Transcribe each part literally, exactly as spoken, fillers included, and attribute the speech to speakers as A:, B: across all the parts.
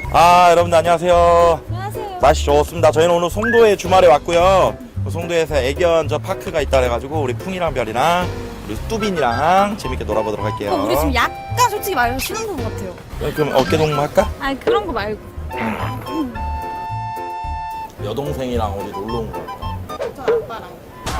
A: 아, 여러분들 안녕하세요.
B: 안녕하세요.
A: 날씨 좋습니다. 저희는 오늘 송도에 주말에 왔고요. 송도에서 애견 저 파크가 있다 그래가지고 우리 풍이랑 별이랑 우리 뚜빈이랑 재밌게 놀아보도록 할게요.
B: 어, 우리 지금 약간 솔직히 말해서 신혼부부 같아요.
A: 그럼 어깨 동무 할까?
B: 아니 그런 거 말고.
A: 여동생이랑 우리 놀러 온 거야.
B: 저 아빠랑.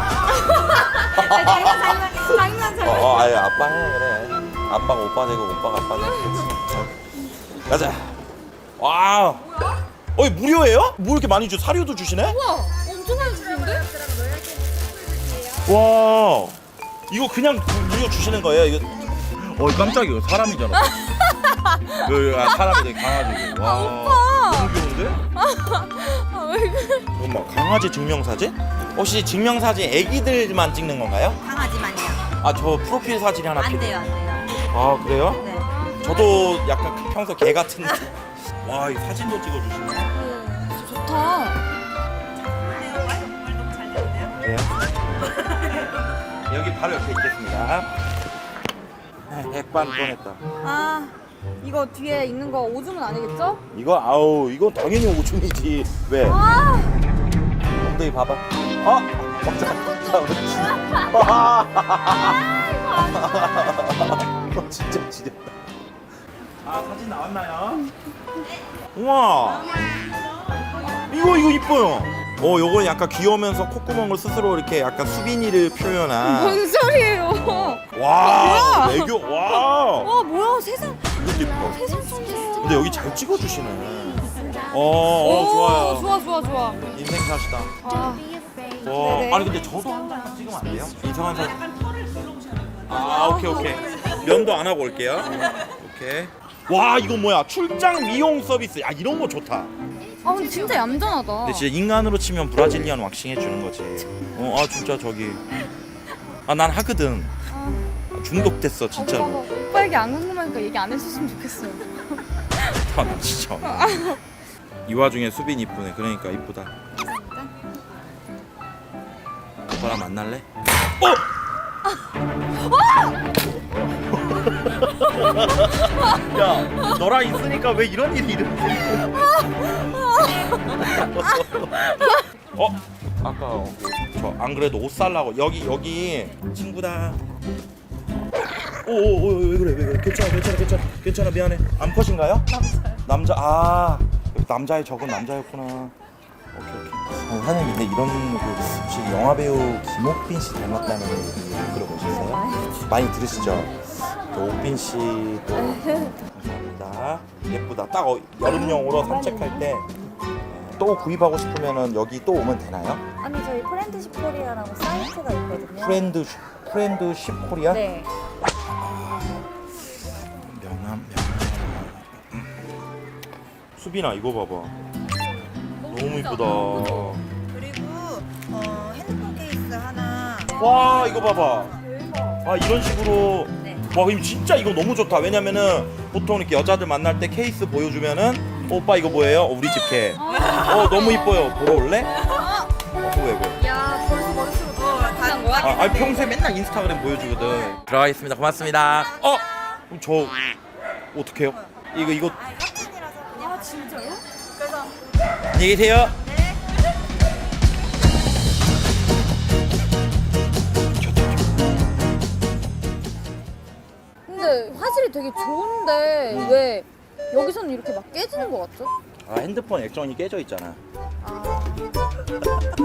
B: 장난 장난 장난
A: 어,
B: 장난.
A: 어, 아유 아빠 해 그래. 아빠가 오빠 되고 오빠가 아빠 되고. 가자. 와. 어이 무료예요? 뭐 이렇게 많이 주? 사료도 주시네?
B: 우와 엄청 많이 주시는데?
A: 와. 이거 그냥 무료 주시는 거예요? 이거. 어 깜짝이야 사람이잖아. 그 아, 사람이 되게 강아지고. 와.
B: 오빠.
A: 너무 귀여운데?
B: 아, 왜 그래?
A: 이건 뭐 강아지 증명사진? 혹시 증명사진 애기들만 찍는 건가요?
C: 강아지만요.
A: 아 저 프로필 사진이 하나
C: 안
A: 필요-
C: 돼요, 안 돼요.
A: 아 그래요?
C: 네.
A: 저도 약간 평소 개 같은데. 와, 이 사진도 찍어주시네.
B: 어, 좋다.
A: 그래요? 여기 바로 옆에 있겠습니다. 백반 꺼냈다.
B: 아 이거 뒤에 있는 거 오줌은 아니겠죠?
A: 이거 아우, 이건 당연히 오줌이지. 왜?
B: 아
A: 엉덩이 봐봐. 아, 맞아. 자, 그렇지. 아, 어, 진짜 지렸다. 아, 사진 나왔나요? 우와. 이거 이거 이뻐요. 어, 요건 약간 귀여우면서 콧구멍을 스스로 이렇게 약간 수빈이를 표현한.
B: 뭔 소리예요?
A: 와,
B: 뭐야?
A: 애교. 와.
B: 와 뭐야 세상
A: 이것도 이뻐.
B: 세상 천재.
A: 근데 여기 잘 찍어주시네. 어, 어 좋아요.
B: 좋아 좋아 좋아.
A: 인생샷이다.
B: 아
A: 와,
B: 네네.
A: 아니 근데 저도 한 장만 찍으면 안 돼요? 이상한 사진. 아, 오케이 오케이. 면도 안 하고 올게요. 오케이. 와, 이거 뭐야? 출장 미용 서비스. 아, 이런 거 좋다.
B: 아 근데 진짜 얌전하다.
A: 근데 진짜 인간으로 치면 브라질리안 왁싱 해주는 거지. 어, 아 진짜 저기. 아, 난 하거든.
B: 아,
A: 중독됐어 진짜로.
B: 오빠가 오빠 얘기 안 궁금하니까 얘기 안 해줬으면 좋겠어요.
A: 아, 나 진짜. 이 와중에 수빈 이쁘네. 그러니까 이쁘다. 오빠랑 만날래? 어! 야, 너랑 있으니까 왜 이런 일이 일어나? 어? 아까 저 안 그래도 옷 살라고 여기 여기 친구다. 오오오 왜 그래 왜 그래 괜찮아 괜찮아 괜찮아 괜찮아 미안해. 암컷인가요? 남자. 남자 아 남자의 적은 남자였구나. 오케이 오케이. 아니, 사장님 근데 이런 그 혹시 영화 배우 김옥빈 씨 닮았다는 얘기 들어보셨어요? 많이 들으시죠? 저 옥빈 씨도 감사합니다. 예쁘다. 딱 어, 여름용으로 산책할 때 또 구입하고 싶으면은 여기 또 오면 되나요?
C: 아니 저희 프렌드십 코리아라고 사이트가 있거든요.
A: 프렌드 프렌드십 코리아?
C: 네.
A: 명함 명함. 수빈아 이거 봐봐. 너무 이쁘다.
C: 그리고 어, 핸드폰 케이스 하나.
A: 와 이거 봐봐. 아 이런 식으로.
C: 네.
A: 와 그럼 진짜 이거 너무 좋다. 왜냐면은 보통 이렇게 여자들 만날 때 케이스 보여주면은 어, 오빠 이거 뭐예요? 어, 우리 집 개. 어 너무 이뻐요. 보러 올래? 어 왜 왜?
B: 야 벌써 머릿속으로 들어간 거야?
A: 아, 아니 평소에 맨날 인스타그램 보여주거든. 들어가겠습니다. 고맙습니다. 어? 그럼 저 어떡해요? 이거 이거
C: 아 협찬이라서 그냥.
B: 아 진짜요?
C: 그래서
A: 안녕히 계세요.
B: 근데 화질이 되게 좋은데 왜 여기서는 이렇게 막 깨지는 거 같죠?
A: 아 핸드폰 액정이 깨져 있잖아.
B: 아